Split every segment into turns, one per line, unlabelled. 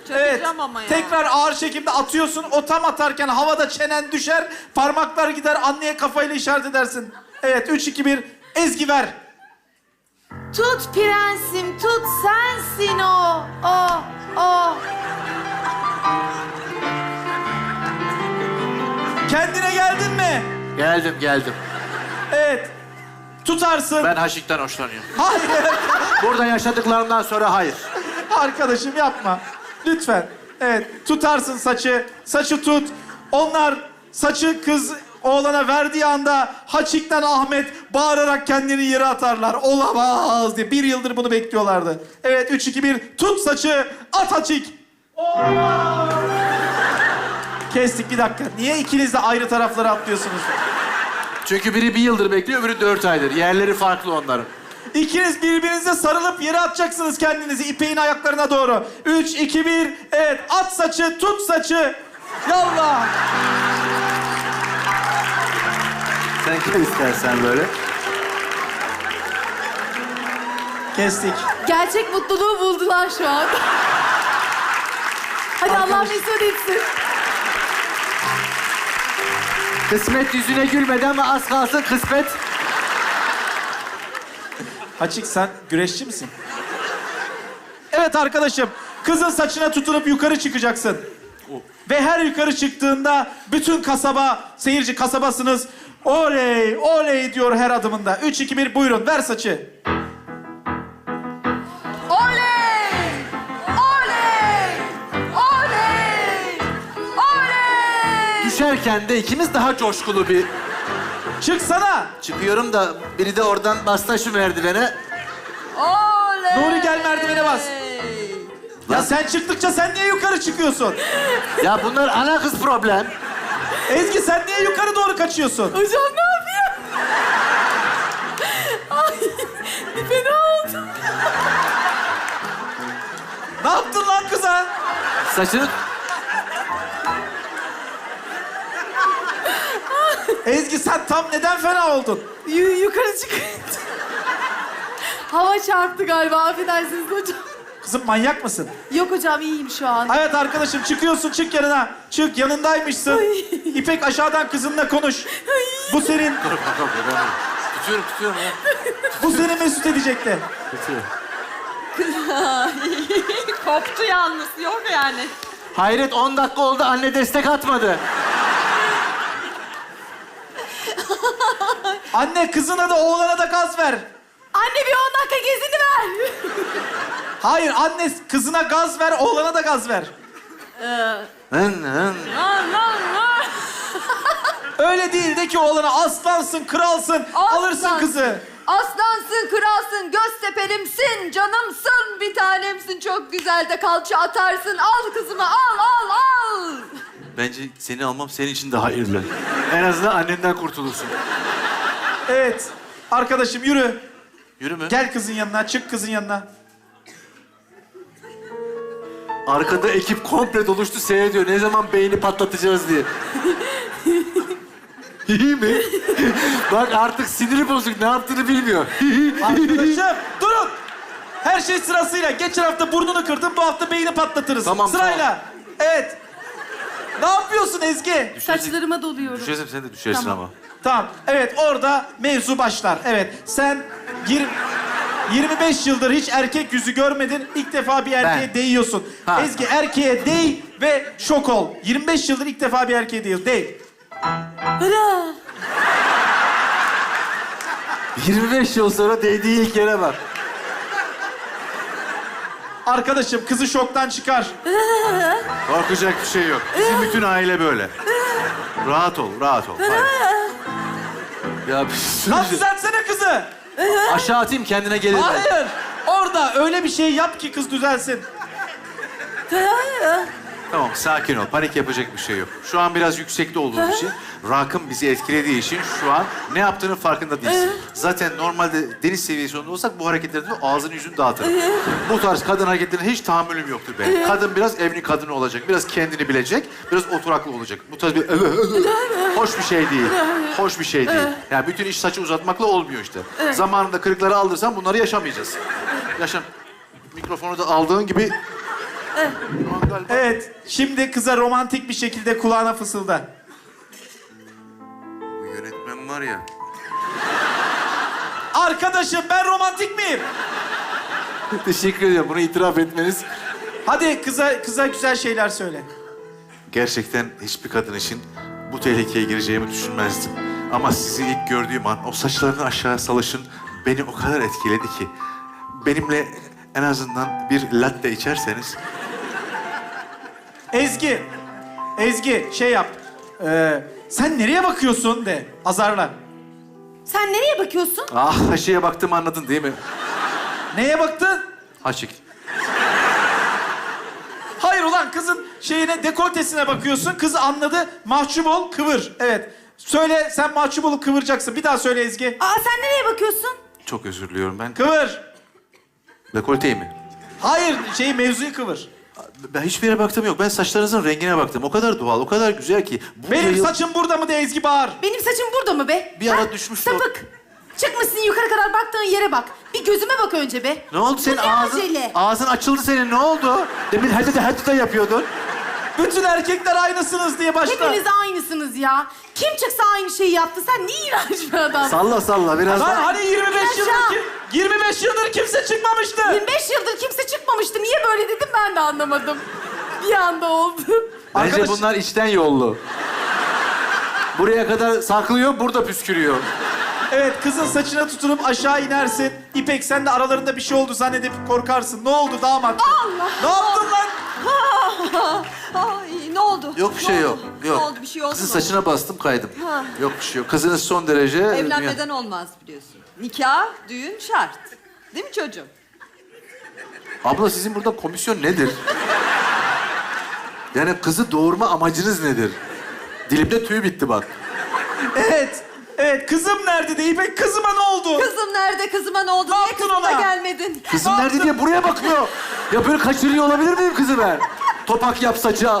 Evet.
Çakacağım ama ya.
Tekrar ağır çekimde atıyorsun. O tam atarken havada çenen düşer. Parmaklar gider. Anneye kafayla işaret edersin. Evet. 3, 2, 1. Ezgi ver.
Tut prensim, tut sensin o.
Kendine geldin mi?
Geldim.
Evet. Tutarsın.
Ben Haşik'ten hoşlanıyorum.
Hayır.
Burada yaşadıklarımdan sonra hayır.
Arkadaşım yapma. Lütfen. Evet. Tutarsın saçı. Saçı tut. Onlar saçı kız oğlana verdiği anda Haçik'ten Ahmet bağırarak kendini yere atarlar. Olamaz diye. 1 yıldır bunu bekliyorlardı. Evet. 3, 2, 1. Tut saçı. At Haçik. Olamaz. Kestik bir dakika. Niye ikiniz de ayrı taraflara atlıyorsunuz?
Çünkü biri 1 yıldır bekliyor, öbürü 4 aydır. Yerleri farklı onların.
İkiniz birbirinize sarılıp yere atacaksınız kendinizi İpek'in ayaklarına doğru. 3, 2, 1. Evet. At saçı. Tut saçı. Yallah.
Sen gel istersen böyle.
Kestik.
Gerçek mutluluğu buldular şu an. Hadi Allah mesut etsin.
Kısmet yüzüne gülmedi ama az kalsın kısmet.
Haçik sen güreşçi misin? Evet arkadaşım. Kızın saçına tutunup yukarı çıkacaksın. Ve her yukarı çıktığında bütün kasaba, seyirci kasabasınız. Oley, oley diyor her adımında. 3, 2, 1 buyurun ver saçı.
Oley! Oley! Oley! Oley!
Düşerken de ikimiz daha coşkulu bir...
Çıksana.
Çıkıyorum da biri de oradan bastı şu merdivene.
Oley!
Nuri gel merdivene bas. Ya sen çıktıkça sen niye yukarı çıkıyorsun?
Ya bunlar ana kız problem.
Ezgi sen niye yukarı doğru kaçıyorsun?
Hocam ne yapıyor? Ay, bir fena oldu.
Ne yaptın lan kıza?
Saçını...
Ezgi sen tam neden fena oldun?
Yukarı çıkınca. Hava çarptı galiba, affedersiniz hocam.
Kızım manyak mısın?
Yok hocam, iyiyim şu an.
Evet arkadaşım çıkıyorsun, çık yanına. Çık, yanındaymışsın. İpek aşağıdan kızınla konuş. Bu senin,
Tutuyorum ya.
bu seni mesut edecekti.
Tutuyorum.
Koptu yalnız, yok yani.
Hayret 10 dakika oldu anne destek atmadı.
Anne kızına da oğlana da gaz ver.
Anne bir 10 dakika gezini ver.
Hayır anne kızına gaz ver, oğlana da gaz ver.
Hın.
Öyle değil de ki oğlana aslansın, kralsın, alırsın kızı.
Aslansın, kralsın, göztepelimsin, canımsın, bir tanemsin, çok güzel de kalça atarsın. Al kızımı, al.
Bence seni almam senin için daha hayırlı. En azından annenden kurtulursun.
Evet. Arkadaşım yürü.
Yürü mü?
Gel kızın yanına, çık kızın yanına.
Arkada ekip komple doluştu seyrediyor. Ne zaman beyni patlatacağız diye. İyi mi? Bak artık siniri bozuk. Ne yaptığını bilmiyor.
Arkadaşım durun. Her şey sırasıyla. Geçen hafta burnunu kırdın, bu hafta beyni patlatırız.
Tamam,
Sırayla. Evet. Ne yapıyorsun Ezgi?
Saçlarıma doluyorum.
Düşersin sen de düşersin
Tamam.
ama.
Tamam. Evet orada mevzu başlar. Evet sen 25 yıldır hiç erkek yüzü görmedin. İlk defa bir erkeğe
Ben.
değiyorsun.
Ha.
Ezgi erkeğe değ ve şok ol. 25 yıldır ilk defa bir erkeğe değiyorsun. Değ.
Hıra.
25 yıl sonra değdiği ilk yere bak.
Arkadaşım kızı şoktan çıkar.
Korkacak bir şey yok. Bizim bütün aile böyle. Rahat ol. Hayır. Ya
Lan düzeltsene kızı.
aşağı atayım kendine gelir.
Hayır. Orada öyle bir şey yap ki kız düzelsin.
Tamam sakin ol. Panik yapacak bir şey yok. Şu an biraz yüksekte olduğumuz için, rakım bizi etkilediği için şu an ne yaptığının farkında değilsin. Zaten normalde deniz seviyesinde olsak bu hareketlerinde ağzını yüzünü dağıtırım. Bu tarz kadın hareketlerine hiç tahammülüm yoktur benim. Kadın biraz evli kadını olacak, biraz kendini bilecek, biraz oturaklı olacak. Bu tarz bir hoş bir şey değil. Hoş bir şey değil. Yani bütün iş saçı uzatmakla olmuyor işte. Zamanında kırıkları aldırsan bunları yaşamayacağız. Mikrofonu da aldığın gibi Şu an galiba...
Evet, şimdi kıza romantik bir şekilde kulağına fısılda.
Bu yönetmen var ya.
Arkadaşım ben romantik miyim?
Teşekkür ediyorum. Bunu itiraf etmeniz.
Hadi kıza güzel şeyler söyle.
Gerçekten hiçbir kadın için bu tehlikeye gireceğimi düşünmezdim. Ama sizi ilk gördüğüm an o saçlarını aşağı salışın beni o kadar etkiledi ki. Benimle en azından bir latte içerseniz...
Ezgi şey yap. Sen nereye bakıyorsun de, azarla.
Sen nereye bakıyorsun?
Ah, haşiye baktım anladın değil mi?
Neye baktın?
Haşik.
Hayır ulan kızın şeyine, dekoltesine bakıyorsun. Kız anladı. Mahcup ol, kıvır. Evet. Söyle, sen mahcup olup kıvıracaksın. Bir daha söyle Ezgi.
Aa sen nereye bakıyorsun?
Çok özür diliyorum ben.
Kıvır.
Dekolteyi mi?
Hayır, mevzuyu kıvır.
Ben hiçbir yere baktım yok. Ben saçlarınızın rengine baktım. O kadar doğal, o kadar güzel ki. Bunca
Benim
yıl
saçım burada mı de Ezgi bağır.
Benim saçım burada mı be?
Bir ara düşmüştü o.
Sapık. Çıkmışsın yukarı kadar baktığın yere bak. Bir gözüme bak önce be.
Ne oldu senin
Bu ne
ağzın?
acele?
Ağzın açıldı senin. Ne oldu? Demin hadi da yapıyordun.
Bütün erkekler aynısınız diye başla.
Hepiniz aynısınız ya. Kim çıksa aynı şeyi yaptı. Sen ne iğrenç bir adam.
Salla biraz
Lan
daha.
hani 25
Yaşa.
yıldır 25 yıldır kimse çıkmamıştı.
25 yıldır kimse çıkmamıştı. Niye böyle dedim ben de anlamadım. Bir anda oldu.
Bence
Arkadaş-
bunlar içten yollu. Buraya kadar saklıyor, burada püskürüyor.
Evet, kızın saçına tutunup aşağı inersin. İpek sen de aralarında bir şey oldu zannedip korkarsın. Ne oldu damat?
Allah!
Ne yaptın lan?
Ay ne oldu?
Yok bir şey
Ne
yok.
oldu?
Yok.
Ne oldu? Bir şey oldu
Kızın
mu?
saçına bastım kaydım.
Ha.
Yok bir şey yok. Kızınız son derece...
Evlenmeden olmaz biliyorsun. Nikah, düğün şart. Değil mi çocuğum?
Abla sizin burada komisyon nedir? Yani kızı doğurma amacınız nedir? Dilimde tüy bitti bak.
Evet. Evet, kızım nerede de İpek? Kızıma ne oldu?
Kızım nerede? Kızıma ne oldu?
Ne
Niye
yaptın
kızıma
ona?
gelmedin?
Kızım nerede diye buraya bakmıyor. Ya böyle kaçırıyor olabilir miyim kızı ben? Topak yap saça.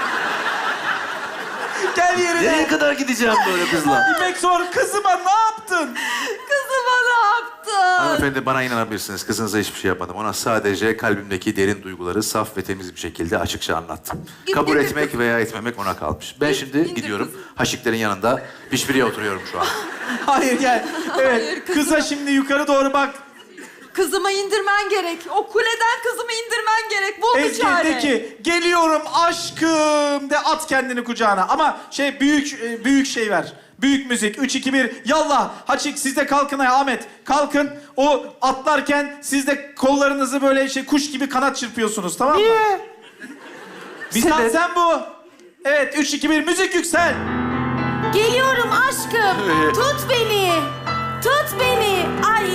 Gel yerine.
Nereye kadar gideceğim böyle kızla?
İpek sor, kızıma ne yaptın?
Kızıma ne yaptın?
Hanımefendi bana inanabilirsiniz. Kızınıza hiçbir şey yapmadım. Ona sadece kalbimdeki derin duyguları saf ve temiz bir şekilde açıkça anlattım. Kabul etmek veya etmemek ona kalmış. Ben şimdi
İndir
gidiyorum.
kızım.
Haşiklerin yanında pişpiriye oturuyorum şu an.
Hayır gel. Evet,
Hayır, kızım.
kıza şimdi yukarı doğru bak.
Kızımı indirmen gerek. O kuleden kızımı indirmen gerek. Bul bir
Ezgi
çare.
de ki geliyorum aşkım de, at kendini kucağına. Ama büyük şey ver. Büyük müzik. 3, 2, 1. Yallah. Haçik siz de kalkın ayağa. Ahmet kalkın. O atlarken siz de kollarınızı böyle kuş gibi kanat çırpıyorsunuz, tamam mı?
Niye?
Bir
Sebep?
sen bu. Evet 3, 2, 1. Müzik yüksel.
Geliyorum aşkım. Tut beni. Tut beni. Ay.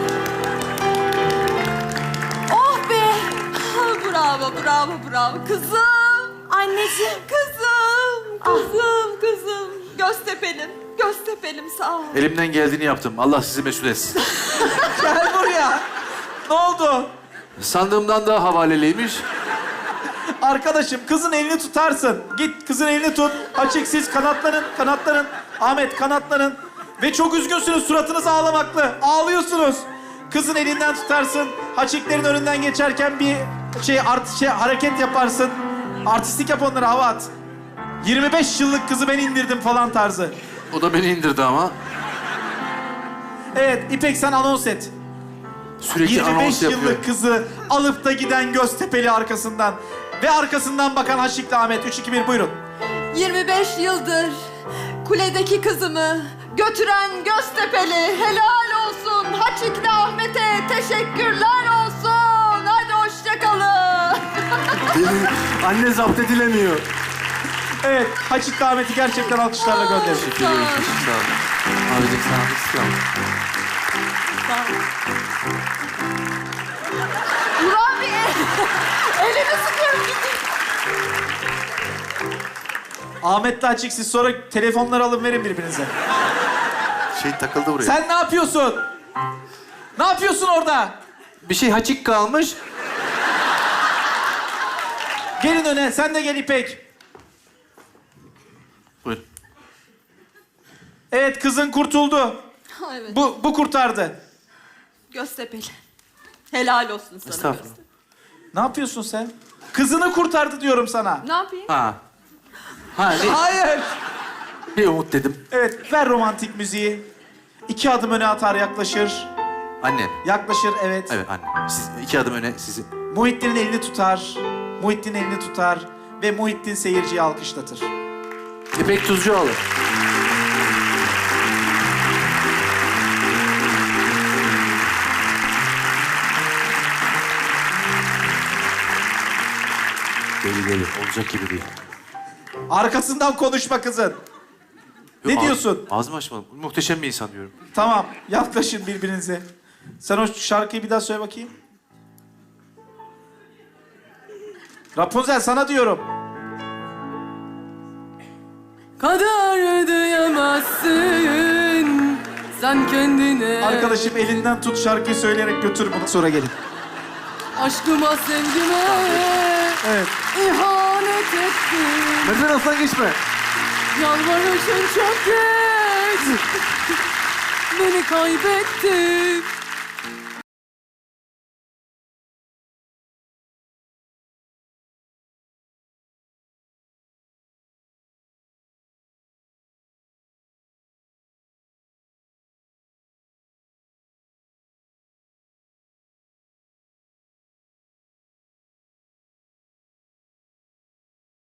Oh be.
Bravo. Kızım.
Anneciğim.
Kızım. Göztepelim sağ ol.
Elimden geldiğini yaptım. Allah sizi mesul etsin.
Gel buraya. Ne oldu?
Sandığımdan daha havaleliymiş.
Arkadaşım kızın elini tutarsın. Git kızın elini tut. Açık siz kanatlanın. Ahmet kanatlanın. Ve çok üzgünsünüz, suratınız ağlamaklı. Ağlıyorsunuz. Kızın elinden tutarsın. Haçiklerin önünden geçerken bir hareket yaparsın. Artistik yap, onlara hava at. 25 yıllık kızı ben indirdim falan tarzı.
O da beni indirdi ama.
Evet İpek sen anons et.
Sürekli
25
anons yapıyor.
yıllık kızı alıp da giden Göztepe'li arkasından. Ve arkasından bakan Haçik'le Ahmet. 3, 2, 1 buyurun.
25 yıldır kuledeki kızımı götüren Göztepe'li helal olsun. Haçikli Ahmet'e teşekkürler olsun. Hadi hoşça kalın.
Anne zapt edilemiyor.
Evet Haçik'le Ahmet'i gerçekten alkışlarla gönderin.
Teşekkür ederim. Sağ olun. Abicim sağ olun.
Ulan bir elini sıkıyorum gidin.
Ahmet'le Haçik siz sonra telefonları alın verin birbirinize.
Şey takıldı buraya.
Sen ne yapıyorsun? Ne yapıyorsun orada?
Bir şey haçik kalmış.
Gelin öne, sen de gel İpek.
Buyur.
Evet kızın kurtuldu.
Evet.
Bu kurtardı.
Göztepe'li. Helal olsun sana.
Estağfurullah.
Ne yapıyorsun sen? Kızını kurtardı diyorum sana.
Ne yapayım?
Ha. Ha ne?
Hayır.
Bir umut dedim.
Evet, ver romantik müziği. 2 adım öne atar, yaklaşır.
Annem.
Yaklaşır, evet.
Evet annem. Siz 2 adım öne sizi.
Muhittin'in elini tutar. Muhittin elini tutar. Ve Muhittin seyirciyi alkışlatır.
İpek Tuzcuoğlu. Deli. Olacak gibi değil.
Arkasından konuşma kızın. Ne
Yok,
diyorsun?
Ağzımı açmadım. Muhteşem bir insan diyorum.
Tamam, yaklaşın birbirinize. Sen o şarkıyı bir daha söyle bakayım. Rapunzel sana diyorum.
Kader ödeyemezsin sen kendine.
Arkadaşım elinden tut, şarkıyı söyleyerek götür bunu. Sonra gelin.
Aşkıma sevgime
Evet.
ihanet ettin.
Merdiven altından geçme.
Yalvarışın çok geç. Beni kaybettin.